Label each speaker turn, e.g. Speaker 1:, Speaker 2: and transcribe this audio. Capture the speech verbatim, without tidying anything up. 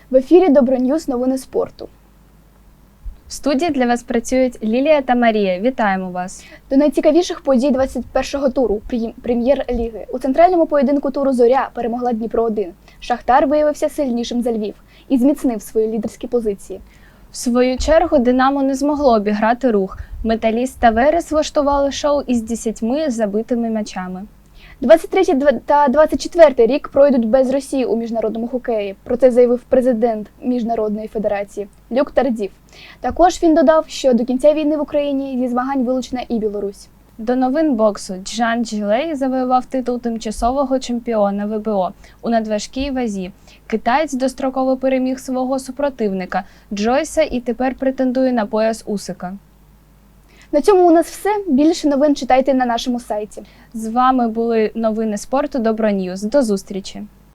Speaker 1: В ефірі Доброньюз, новини спорту.
Speaker 2: В студії для вас працюють Лілія та Марія. Вітаємо вас!
Speaker 1: До найцікавіших подій двадцять першого туру прем'єр-ліги. У центральному поєдинку туру «Зоря» перемогла Дніпро один. Шахтар виявився сильнішим за Львів і зміцнив свої лідерські позиції.
Speaker 2: В свою чергу «Динамо» не змогло обіграти «Рух». «Металіст» та «Верес» влаштували шоу із десятьма забитими м'ячами.
Speaker 1: двадцять третій та двадцять четвертий рік пройдуть без Росії у міжнародному хокеї. Про це заявив президент Міжнародної федерації Люк Тардів. Також він додав, що до кінця війни в Україні зі змагань вилучена і Білорусь.
Speaker 2: До новин боксу. Джан Джилей завоював титул тимчасового чемпіона ве бе о у надважкій вазі. Китаєць достроково переміг свого супротивника Джойса і тепер претендує на пояс Усика.
Speaker 1: На цьому у нас все. Більше новин читайте на нашому сайті.
Speaker 2: З вами були новини спорту Доброньюз. До зустрічі!